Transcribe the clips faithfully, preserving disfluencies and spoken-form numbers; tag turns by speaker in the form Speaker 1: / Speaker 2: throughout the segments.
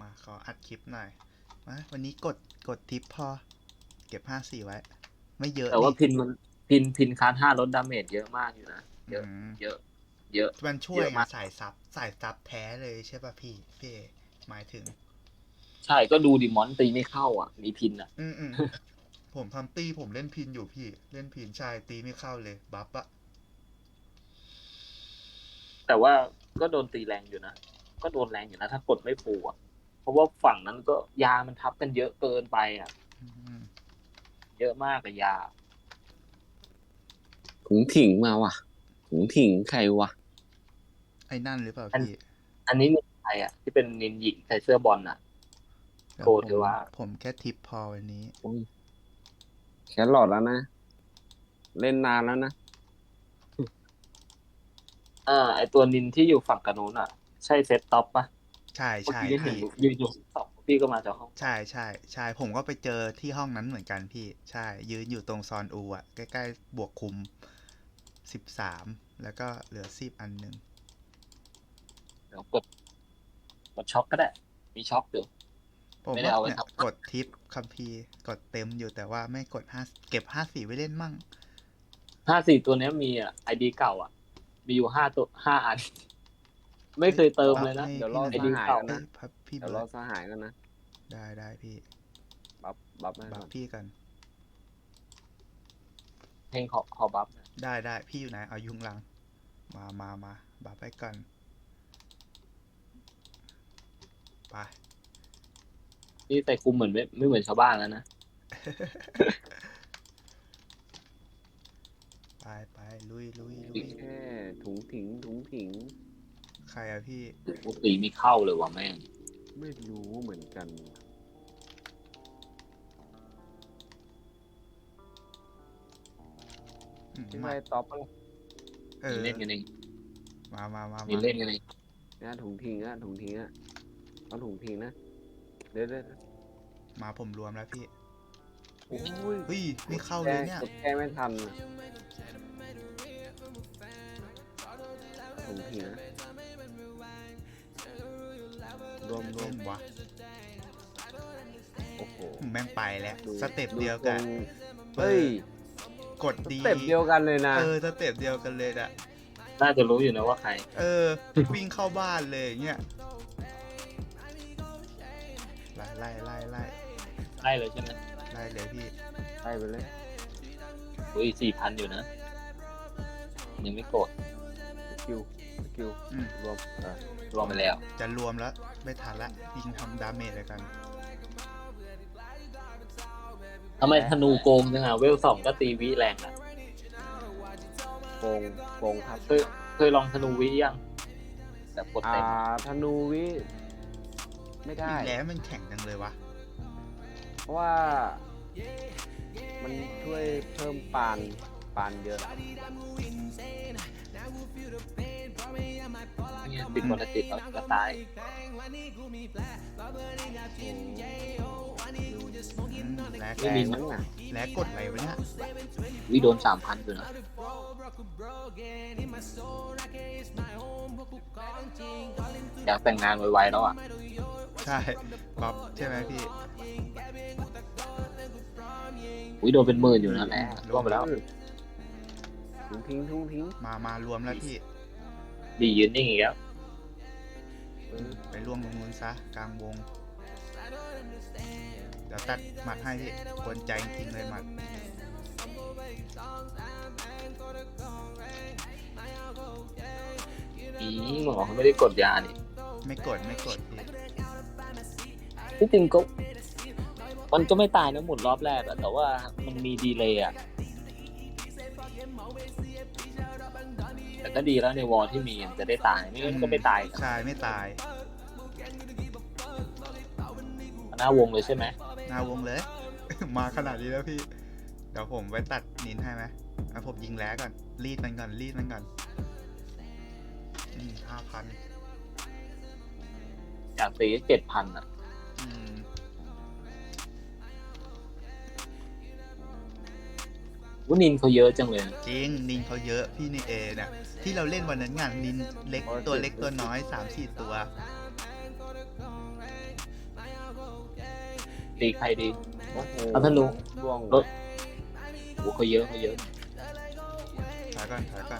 Speaker 1: มาขออัดคลิปหน่อยมาวันนี้กดกดทิปพอเก็บห้าสี่ไว้ ไม่เยอะ
Speaker 2: แต่ว่าพินมันพินพินคาร์ห้าลดดาเมจเยอะมากอยู่นะเยอะเยอะเยอะ
Speaker 1: มันช่วยไงสายซับสายซับแท้เลยใช่ป่ะพี่พี่หมายถึง
Speaker 2: ใช่ก็ดูดิมอนตีไม่เข้าอ่ะมีพินอ่ะ
Speaker 1: อืมอืมผมทำตีผมเล่นพินอยู่พี่เล่นพินใช่ตีไม่เข้าเลยบัฟอะ
Speaker 2: แต่ว่าก็โดนตีแรงอยู่นะก็โดนแรงอยู่นะถ้ากดไม่ฟูอ่ะเพราะว่าฝั่งนั้นก็ยามันทับกันเยอะเกินไปอ่ะเยอะมากกับยา
Speaker 3: ถุงถิงมาว่ะถุงถิงใครวะ
Speaker 1: ไอ้นั่นหรือเปล่า
Speaker 2: อัน
Speaker 1: พี่
Speaker 2: อันนี้นินใครอ่ะที่เป็นนินหญิงใส่เสื้อบอลอ่ะโคเทวะ
Speaker 1: ผมแค่ทิปพอวันนี้
Speaker 3: แครอทแล้วนะเล่นนานแล้วนะ
Speaker 2: อ่าไอตัวนินที่อยู่ฝั่งกระนู้นอ่ะใช่เซตท็อปปะ
Speaker 1: ใช่
Speaker 2: เมื่อ
Speaker 1: ใช่
Speaker 2: กี้เห็น
Speaker 1: พี่
Speaker 2: ยืนอยู่สองพี่ก็มาจากห้อง
Speaker 1: ใช่ใช่ใช่ผมก็ไปเจอที่ห้องนั้นเหมือนกันพี่ใช่ยืนอยู่ตรงซอนอูอะใกล้ๆบวกคุมสิบสามแล้วก็เหลือสิบอันหนึ่ง
Speaker 2: เดี๋ยวกดกดช็อคก็ได้มีช็อคอยู่
Speaker 1: ผม
Speaker 2: ไม่ได้
Speaker 1: ว่า
Speaker 2: เอาไว้
Speaker 1: เนี่ย
Speaker 2: ท
Speaker 1: กดทิปคัมภีร์กดเต็มอยู่แต่ว่าไม่กดห้าเก็บห้าสี่ไว้เล่นมั่ง
Speaker 2: ำห้าสี่ตัวนี้มีอ่ะไอดีเก่าอ่ะมีอยู่ห้าตัวห้าอันไม่เคยเติมเลยนะ
Speaker 3: เดี๋ยวรอ
Speaker 2: ไอ
Speaker 3: ส
Speaker 2: ดี
Speaker 3: หาย
Speaker 2: เก่า
Speaker 3: กันนะ
Speaker 1: พี่
Speaker 3: เดี๋ยว
Speaker 1: เบิ
Speaker 3: รอ
Speaker 1: ร์ด
Speaker 3: สหายกันนะ
Speaker 1: ได้ได้พี่
Speaker 3: บัฟบัฟให้
Speaker 1: บั
Speaker 3: ก่
Speaker 1: ฟ
Speaker 3: อน
Speaker 1: พี่กัน
Speaker 2: เพลงขอขอบัฟนะ
Speaker 1: ได้ได้พี่อยู่ไหนเอายุงลังมามามาบัฟไปกันไป
Speaker 2: นี่ใส่คุมเหมือนไม่ไม่เหมือนชาวบ้านแล้วนะ
Speaker 1: ไปไปลุยลุยลุย
Speaker 3: แค่ถุงถิงถุงถิง
Speaker 1: ใครอะพี่
Speaker 2: ปกติไม่เข้าเลยว่ะแม่ง
Speaker 3: ไม่รู้เหมือนกันที่ไปท็อป
Speaker 1: เออ
Speaker 2: มีเล่นกันเอง
Speaker 1: มามามา
Speaker 2: มีเล่นกันเอง
Speaker 3: นะถุงถิงอะถุงถิงอะเอาถุงถิงนะเดี๋ยวเดี๋ยว
Speaker 1: มาผมรวมแล้วพี่
Speaker 3: โอ้ย
Speaker 1: เฮ้ยไม่เข้าเลยเนี่ย
Speaker 3: แก้ไม่ทันถุงถิงนะรวมรว
Speaker 1: เล่
Speaker 3: ม
Speaker 1: นวะ
Speaker 3: โอ้โห
Speaker 1: แม่งไปแล้วสเต็ปเดียวกัน
Speaker 3: เฮ้ย
Speaker 1: กดดี
Speaker 3: สเต็ปเดียวกันเลยนะ
Speaker 1: เออสเต็ปเดียวกันเลยอะ
Speaker 2: น่าจะรู้อยู่นะว่าใคร
Speaker 1: เออวิ่งเข้าบ้านเลยเงี้ยไล่ไล่ไล่ไล่
Speaker 2: ไล่เลยใช่ไหม
Speaker 1: ไล่เลยพี่
Speaker 3: ไล่ไปเลย
Speaker 2: อุ้ยสี่พันอยู่นะยังไม่กด
Speaker 3: สกิลสกิลรวม
Speaker 2: รวมไปแล้ว
Speaker 1: จะรวมแล้วไม่ทันละยิงทำดาเมจเลยกัน
Speaker 2: ทำไมธนูโกงจังอ่ะเวลสองก็ตีวิแรงอ่ะ
Speaker 3: โกงโกงครับ
Speaker 2: เคยเคยลองธนูวิยังแบบกดเต็ม
Speaker 3: อ่าธนูวิไม่ได้
Speaker 1: แล้วมันแข็งจังเลยวะ
Speaker 3: เพราะว่ามันช่วยเพิ่มปานปานเยอะ
Speaker 2: เนี่ยติดวันติดแล้วก็ตาย
Speaker 1: แล้ว
Speaker 3: แรงมั้งอ่ะ
Speaker 1: แล้วกดอะไรวะเนี่ย
Speaker 2: วิโดนสามพันอยู่นะอยากแต่งงานไวๆแล้วอ่ะ
Speaker 1: ใช่บ๊อบใช่ไหมพี่
Speaker 2: วิโดนเป็นหมื่นอยู่นะแม่รวมไปแล้ว
Speaker 3: ทุ่งทิ้งทุ่งทิ้ง
Speaker 1: มามารวมแล้วพี่
Speaker 2: ดียืนนิ่งอีกแล้ว
Speaker 1: ไปร่วมตรงนู้นซะกลางวงเดี๋ยวตัดหมัดให้พี่กวนใจจริงเลยหมัด
Speaker 2: อีหมอเขาไม่ได้กดยานี่
Speaker 1: ไม่กดไม่กดพี่
Speaker 2: ที่จริงก็มันก็ไม่ตายนะหมุนรอบแรกอะแต่ว่ามันมีดีเลย์อะแต่ก็ดีแล้วในวอลที่มีจะได้ตายไม่งั้นก็ไม่ตาย
Speaker 1: ใช่ไม่ตาย
Speaker 2: หน้าวงเลยใช่ไหม
Speaker 1: หน้าวงเลย มาขนาดนี้แล้วพี่เดี๋ยวผมไปตัดนินให้ไหมเอาผมยิงแล้วก่อนรีดมันก่อนรีดมันก่อนห้าพัน
Speaker 2: อยากตีเจ็ดพันอะวุ้นินเขาเยอะจังเลย
Speaker 1: จริงนินเขาเยอะพี่นี่เอเนี่ยที่เราเล่นวันนั้นงานนินเล็กตัวเล็กตัวน้อยสามสี่ตัว
Speaker 2: ตีใครดี
Speaker 3: โอ้โห
Speaker 2: เอาธนู
Speaker 3: ร่วง
Speaker 2: รถ โอ้เขาเยอะเขาเยอะ
Speaker 1: ถอยก่อนถอยก่อน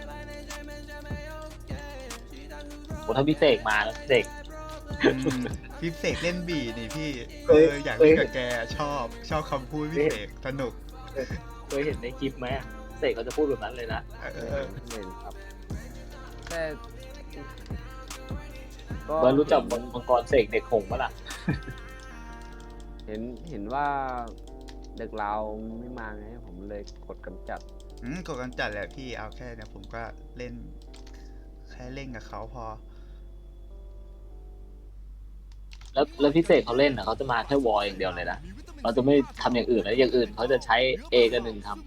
Speaker 2: โอ้ถ้าพี่เสกมาแล้วพี่เสก
Speaker 1: อืมพี่เสกเล่นบีนี่พี่
Speaker 2: เค
Speaker 1: เอย ออยาก
Speaker 2: เคย
Speaker 1: เล่นกับแกชอบชอบคำพูดพี่เสกสนุก
Speaker 2: เคยเห็นในคลิปไหมเสกเขาจะพูดแบบนั้นเลยนะ
Speaker 1: เอ
Speaker 3: เอ
Speaker 1: อ
Speaker 3: อเห็นครับ แต่ก็
Speaker 2: เบิร์ดรู้จักมังกรเสกเด็กหงส์ปะล่ะ
Speaker 3: เห็นเห็นว่าเด็กเราไม่มาไงผมเลยกดกำจัด
Speaker 1: อืมกดกันจัดแหละพี่เอาแค่เนี่ยผมก็เล่น แค่เล่นกับเขาพอ
Speaker 2: แล้วแล้วพี่เสกเขาเล่นอ่ะเขาจะมาแค่วอลอย่างเดียวเลยนะเราจะไม่ทำอย่างอื่นแล้วอย่างอื่นเขาจะใช้ A กับหนึ่งท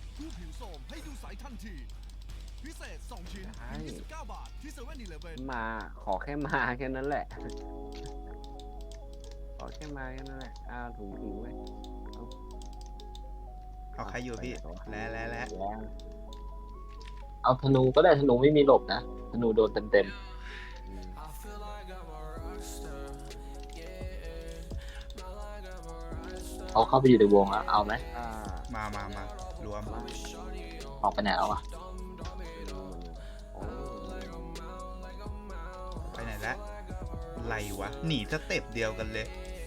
Speaker 3: ใช่มาขอแค่มาแค่นั้นแหละ ขอแค่มาแค่นั้นแหละอ้าวถุงทิ้งไว้
Speaker 1: เอาใครอยู่พี่ แล้วแล้วแล้ว
Speaker 3: แล้ว
Speaker 2: ำเอาธนูก็ได้ธนูไม่มีหลบนะธนูโดนเต็มเต็ม
Speaker 3: อืม
Speaker 2: ๆเขาเข้าไปอยู่ในวงแล้วเอาไหม
Speaker 3: อ่า
Speaker 1: มามามารวม
Speaker 3: มา
Speaker 2: ออกไปไหนแล้วอ่ะ
Speaker 3: โอ้
Speaker 1: ไปไหนแล้วไรวะ หนีสเต็ปเดียวกันเลย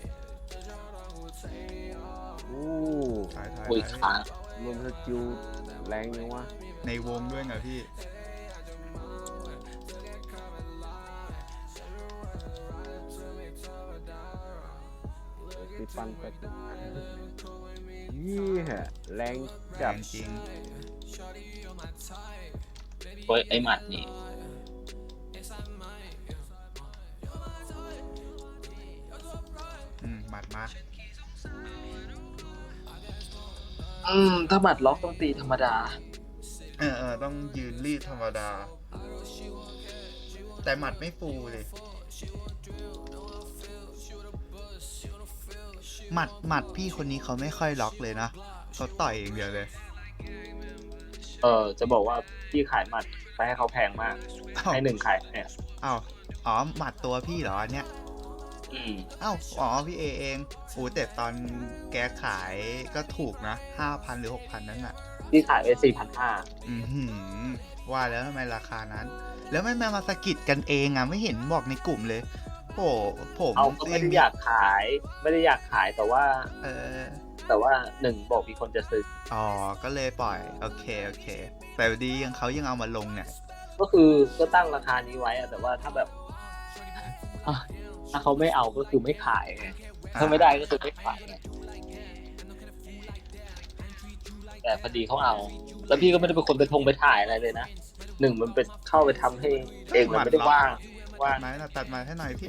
Speaker 3: อู้
Speaker 1: ถอยถอย
Speaker 2: คุย
Speaker 1: ถอย
Speaker 2: ค้าง
Speaker 3: รวมสกิลแรงยังวะ
Speaker 1: ในวงด้วยไงพี่
Speaker 3: ตีปันไปยี่แหะแรง
Speaker 1: แร
Speaker 3: จัด
Speaker 1: งจริง
Speaker 2: เฮ้ยไอ้หมัดนี่
Speaker 1: อืมหมัดมา
Speaker 2: อืมถ้าหมัดล็อกต้องตีธรรมดา
Speaker 1: เออเออต้องยืนรีดธรรมดา แต่หมัดไม่ฟูเลย หมัดหมัดพี่คนนี้เขาไม่ค่อยล็อกเลยนะเขาต่อยอย่างเดียวเลย
Speaker 2: เออจะบอกว่าพี่ขายหมัดไปให้เขาแพงมาก
Speaker 1: อ้าว
Speaker 2: ให้หนึ่งขายเนี่ย
Speaker 1: อ้าวอ๋อหมัดตัวพี่เหรออันเนี้ย
Speaker 2: อืม
Speaker 1: อ้าวอ๋อพี่เอเองโอ้แต่ตอนแกขายก็ถูกนะห้าพันหรือหกพันนั่นน่ะ
Speaker 2: พี่ขายไปสี่พันห้า
Speaker 1: อือหือว่าแล้วทำไมราคานั้น แล้วไม่มามาสะกิดกันเองอ่ะไม่เห็นบอกในกลุ่มเลยโอ้ผม
Speaker 2: เอาก็ไม่ได้อยากขาย ไม่ได้อยากขายแต่ว่า
Speaker 1: เออ
Speaker 2: แต่ว่าหนึ่งบอกมีคนจะซื้อ
Speaker 1: อ๋อก็เลยปล่อยโอเคโอเค แต่ดียังเขายังเอามาลงเนี่ย
Speaker 2: ก็คือก็ตั้งราคานี้ไว้อะแต่ว่าถ้าแบบอ่ะถ้าเขาไม่เอาก็คือไม่ขายไงถ้าไม่ได้ก็คือไม่ขายไงแต่พอดีเขาเอา แล้วพี่ก็ไม่ได้เป็นคนไปทงไปถ่ายอะไรเลยนะหนึ่งมันเป็นเข้าไปทำให้เองมันไม่ได้ว่างว่า
Speaker 1: ตั
Speaker 2: ง
Speaker 1: ดไม้นะตัดไม้ให้หน่อยพี่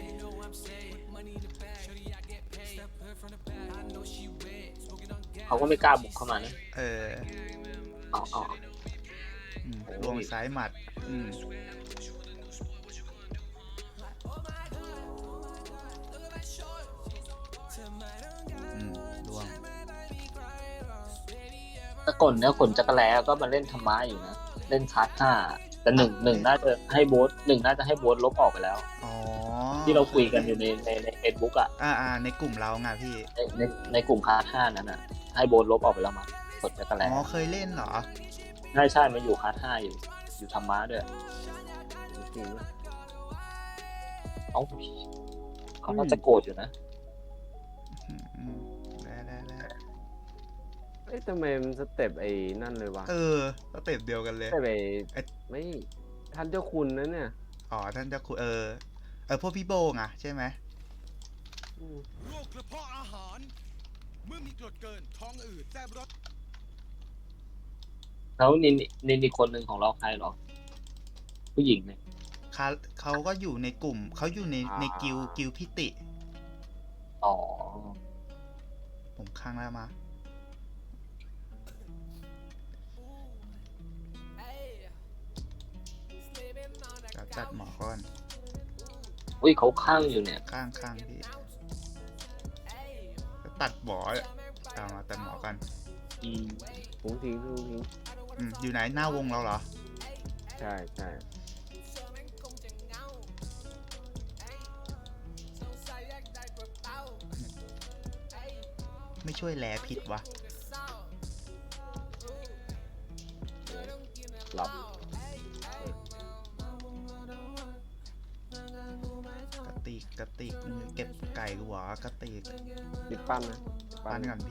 Speaker 2: เขาก็ไม่กล้าบุกเข้ามานะ
Speaker 1: เออ
Speaker 2: เอาเอา
Speaker 1: อืมลวงซ้ายหมัดอืมอืมลวง
Speaker 2: ถ้าก่อนเนี่ยขนจักรแล้ก็มาเล่นธรรมะอยู่นะเล่นคาร์ดห้าแต่หนึ่งหนึ่งน่าจะให้โบสหนึ่งน่าจะให้โบสลบออกไปแล้ว
Speaker 1: อ๋อ
Speaker 2: ที่เราคุยกันอยู่ในในในเฟซบุ๊กอ่ะ
Speaker 1: อ่าอ่าในกลุ่มเราไงพี่
Speaker 2: ในในในกลุ่มคาร์ดห้านั้นอ่ะ ให้โบสลบออกไปแล้วมั้งขนจักรแล้
Speaker 1: อ๋อเคยเล่นเหรอ
Speaker 2: ใช่ใช่มาอยู่คาร์ดห้าอยู่ อยู่ธรรมะด้วย
Speaker 3: จริงๆนะ
Speaker 2: เอ้าเขาน่าจะโกรธอยู่นะ
Speaker 1: อืมอืมแล้วแล้วแล้ว
Speaker 3: เอ้ยทำไมมันสเต็ปไอ้นั่นเลยวะ
Speaker 1: เออสเต็ปเดียวกันเลย
Speaker 3: สเต็ปไอ้
Speaker 1: ไอ้
Speaker 3: ไม่ท่านเจ้าคุณนะเนี่ย
Speaker 1: อ๋อท่านจะคุยเออ เออพวกพี่โบงอ่ะใช่ไหม
Speaker 3: อืม
Speaker 4: โรคกระเพาะอาหาร เมื่อมีกรดเกิน ท้องอืดแสบร้อน
Speaker 2: แล้วนินนินอีกคนหนึ่งของเราใครหรอ ผู้หญิงเนี่ย
Speaker 1: เขาเขาก็อยู่ในกลุ่ม เขาอยู่ในในกิลกิลพิติ
Speaker 2: อ๋อ
Speaker 1: ผมค้างแล้วมา จะจัดหมอก่อน
Speaker 2: อุ้ยเขาข้างอยู่เนี่ย
Speaker 1: ข้างข้างพี่จะตัดหมอเลยเอามาตัดหมอกัน
Speaker 2: อืม
Speaker 3: ถุงทิ้งถุงทิ้ง
Speaker 1: อืมอยู่ไหนหน้าวงเราเหรอ
Speaker 3: ใช่ใช่
Speaker 1: ไม่ช่วยแลผิดวะ
Speaker 3: หลับ
Speaker 1: กระติกกระติกมึงเก็บไก่กูเหรอกระติก
Speaker 3: ติดปั้นนะ
Speaker 1: ปั้นกันพี่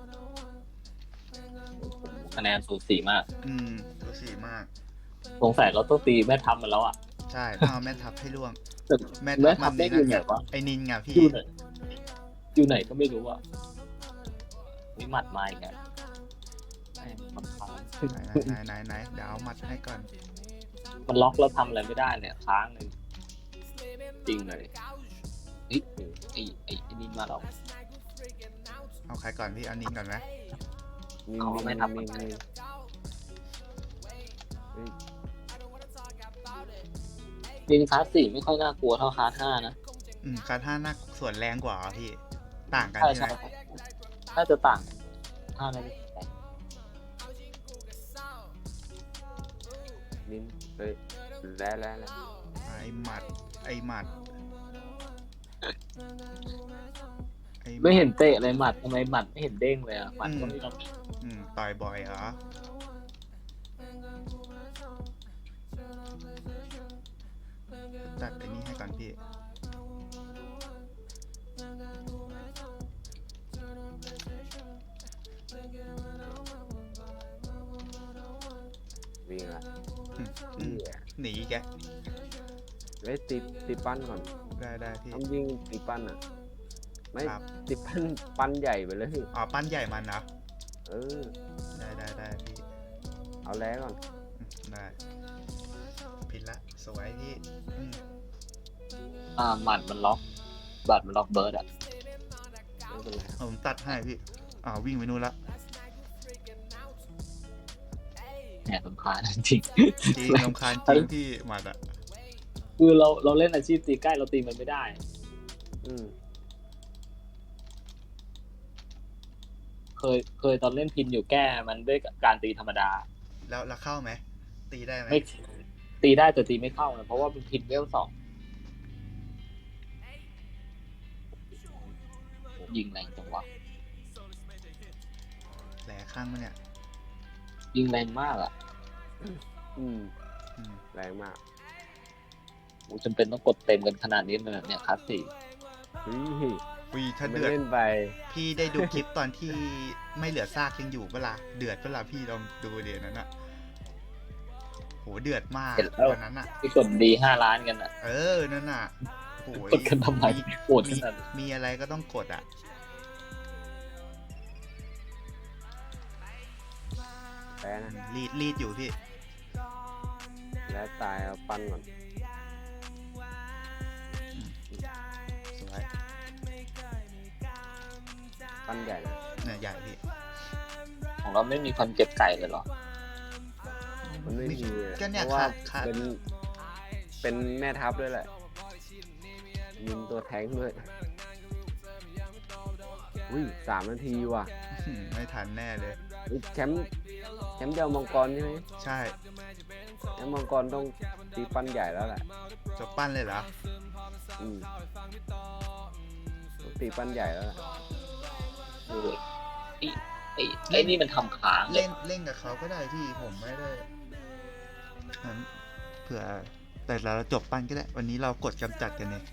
Speaker 2: คะแนนสูสีมาก
Speaker 1: อืมตัวสีมาก
Speaker 2: สงสัยเราต้องตีแม่ทัพมันแล้วอ่ะ
Speaker 1: ใช่ต้องเอาแม่ทับให้ล่วง
Speaker 2: แต่
Speaker 1: แม่
Speaker 2: แม่
Speaker 1: ทั
Speaker 2: ทั
Speaker 1: บ
Speaker 2: พ
Speaker 1: มัน
Speaker 2: ได้
Speaker 1: นี่
Speaker 2: อยู่ไหน
Speaker 1: นะ
Speaker 2: วะ
Speaker 1: ไอ้นินไงพี่
Speaker 2: อยู่ไหนอยู่ไหนก็ไม่รู้อ่ะวิมัดมาอีกอ่ะแม่งมันค้าง
Speaker 1: ไหนไหนไหนไหนเดี๋ยวเอามัดให้ก่อน
Speaker 2: มันล็อกแล้วทำอะไรไม่ได้เนี่ยค้างเลยจริงเลยเฮ้ยไอ้ไอ้ไอ้นี่มาแล้ว
Speaker 1: เอาใครก่อนพี่เอานินก่อนไหม
Speaker 3: นิ่
Speaker 2: เอา
Speaker 3: ง
Speaker 2: ไม่
Speaker 3: ๆ
Speaker 2: ทับ
Speaker 3: นิ่งๆนิ่งเฮ้ย
Speaker 2: ลินคลาสสี่ไม่ค่อยน่ากลัวเท่าคลาสห้านะ
Speaker 1: อืมคาท่าหน้าส่วนแรงกว่าเหรอพี่ต่างกัน
Speaker 2: ใช่
Speaker 1: ใช่
Speaker 2: ใช่
Speaker 1: ไหม
Speaker 2: น่าจะต่างห้านาที
Speaker 3: นิ่งเฮ้ยแล้วแล้วแล้ว
Speaker 1: ไอ้หมัดไอ้หมัดไอ้
Speaker 2: ไม่เห็นเตะเลยหมัดทำไมหมัดไม่เห็นเด้งเลยอ่ะหมัดก็ไม่ต้อง
Speaker 1: อืมต่อยบ่อยเหรอจัดไอ้นี่ให้ก่อนพี่
Speaker 3: วิ่งละ
Speaker 1: อืมอืม
Speaker 3: เหี้ย
Speaker 1: หนีแก
Speaker 3: เฮ้ยติดติดปั้นก่อน
Speaker 1: ได้ได้พี่
Speaker 3: ต้องวิ่งติดปั้นอ่ะ ไม่
Speaker 1: ครับ
Speaker 3: ติดปั้นปั้นใหญ่ไปเลย
Speaker 1: อ๋อปั้นใหญ่มันนะ
Speaker 3: เออ
Speaker 1: ได้ได้ได้พี่
Speaker 3: เอาแล้วก่อน
Speaker 1: อืมได้ผิดละสวยพี่อืม
Speaker 2: อ่าหมัดมันล็อกบัตรมันล็อกเบิร์ดอ่ะ
Speaker 3: ไม่เป็นไรครับ
Speaker 1: ผมตัดให้พี่อ่าวิ่งไปนู่นละ
Speaker 2: แหมสำคัญจริง
Speaker 1: จริงรำคาญจริงพี่หมัดอ่ะ
Speaker 2: คือเราเราเล่นอาชีพตีใกล้เราตีมันไม่ได้
Speaker 3: อืม
Speaker 2: เคยเคยตอนเล่นพินอยู่แก้มันด้วยการตีธรรมดา
Speaker 1: แล้วแล้วเข้าไหมตีได้ไหม
Speaker 2: ไม่ตีได้แต่ตีไม่เข้านะเพราะว่าเป็นพินเวลสองยิงแรงจังวะ
Speaker 1: แหลข้างมันเนี่ย
Speaker 2: ยิงแรงมากอ่ะ
Speaker 3: อืม
Speaker 1: อืม
Speaker 3: แรงมาก
Speaker 2: กูจำเป็นต้องกดเต็มกันขนาดนี้เลยเหรอเนี่ยคลาสสี่
Speaker 3: เฮ้ย
Speaker 1: วีถ้า
Speaker 3: ไม่
Speaker 1: เดือด
Speaker 3: เล่นไป
Speaker 1: พี่ได้ดูคลิปตอนที่ไม่เหลือซากยังอยู่เวลาเดือดเวลาพี่ลองดูเดี๋ยวนั้นอะโหเดือดมากวันนั้นอะ
Speaker 2: ที่กดดีห้าล้านกันอ่ะ
Speaker 1: เออนั่นอะโหย
Speaker 2: กดกันทำไมปวดข
Speaker 1: มี
Speaker 2: นาดนั้น
Speaker 1: มีอะไรก็ต้องกดอะ
Speaker 3: แพ้นะ
Speaker 1: รีดรีดอยู่พี่
Speaker 3: แล้วตายเอาปั้นก่อน
Speaker 1: สวย
Speaker 3: ปั้นใหญ่นะ
Speaker 1: เนี่ยใหญ่พี่
Speaker 2: ของเราไม่มีคนเก็บไก่เลยเหรอ
Speaker 3: มันไม่มีอะ
Speaker 1: ก็เนี่ย
Speaker 3: เพราะว่า
Speaker 1: ขาดขาด
Speaker 3: เป็น เป็นแม่ทัพด้วยแหละยิงตัวแทงค์ด้วยอุ้ยสามนาทีว่ะ
Speaker 1: อืมไม่ทันแน่เลย
Speaker 3: อุ๊ยแชมป์แชมป์เดียวมังกรใช่ไหม
Speaker 1: ใช่
Speaker 3: แชมป์มังกรต้องตีปั้นใหญ่แล้วแหละ
Speaker 1: จะปั้นเลยเหรอ
Speaker 3: อืมต้องตีปั้นใหญ่แล้วแหละ
Speaker 2: เออไอ้ไอ้ไอ้นี่มันทำค้างเล
Speaker 1: เล่
Speaker 2: ย
Speaker 1: นเล่นกับเขาก็ได้พี่ผมไม่ได้งั้นเผื่อแต่เราจบปั้นก็ได้ วันนี้เรากดกำจัดกันเนี่ย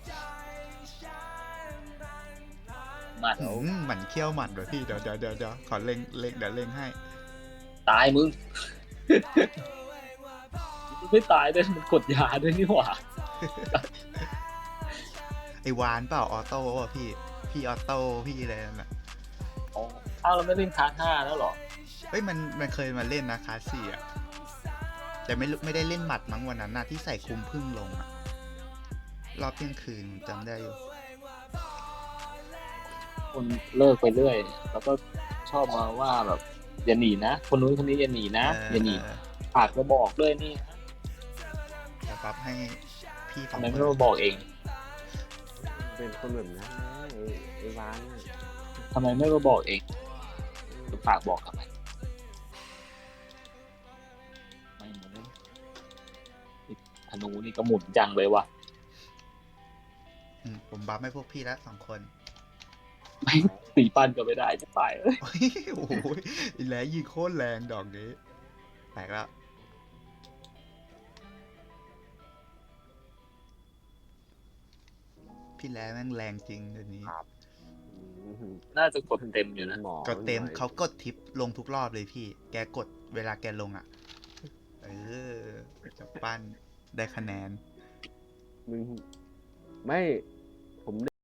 Speaker 2: หมัด
Speaker 1: อืมหมันเคี้ยวหมัดเดี๋ยวพี่เดี๋ยวเดี๋ยวเดี๋ยวเดี๋ยวขอเล็งเล็งเดี๋ยวเล็งให้
Speaker 2: ตายมึง ไม่ตายด้วยมันกดยาด้วยนี่หว่า
Speaker 1: ไอวานเปล่าออโต้ป่ะพี่พี่ออโต้พี่อะไรนั่นแหละ
Speaker 2: อ๋ออ้าวเราไม่เล่นคลาสห้าแล้วเหรอ
Speaker 1: เฮ้ยมันมันเคยมาเล่นนะคลาสสี่อ่ะแต่ไม่รู้ไม่ได้เล่นหมัดมั้งวันนั้นนะที่ใส่คุมพึ่งลงอะรอบเที่ยงคืนจำได้อยู่
Speaker 2: คนเลิกไปเรื่อย แล้วก็ชอบมาว่าแบบอย่าหนีนะ คนนู้นคนนี้อย่าหนีนะอย่าหนีฝากมาบอกด้วยนี่
Speaker 1: จะปรับให้พี่สอ
Speaker 2: ทำ
Speaker 1: ง
Speaker 2: ไม
Speaker 1: ค
Speaker 2: ไม่
Speaker 1: น
Speaker 2: มาบอกเอง
Speaker 3: เป็นคนแบบนั้นนะไอ้ไอ้วานน่ะ
Speaker 2: ทำไมไม่มาบอกเองฝากบอกทำไมไม่เหมือนธนูนี่ก็หมุนจังเลยว่ะ
Speaker 1: อืมผมบัฟให้พวกพี่ละสองคน
Speaker 2: ไม่ตีปั้นก็ไม่ได้จะตายเลย
Speaker 1: โอ้ยโอ้โหอีแหลยิงโคตรแรงดอกนี้แตกแล้วพี่แหลแม่งแรงจริงเดี๋ยวนี้
Speaker 3: อื้อหือ
Speaker 2: น่าจะกดเต็มอยู่นะ
Speaker 3: หมอ
Speaker 1: ก็เต็ม
Speaker 3: หน่อย
Speaker 1: เขากดทิปลงทุกรอบเลยพี่ แกกดเวลาแกลงอ่ะ เออจะปั้นได้คะแนน
Speaker 3: มึงไม่ผม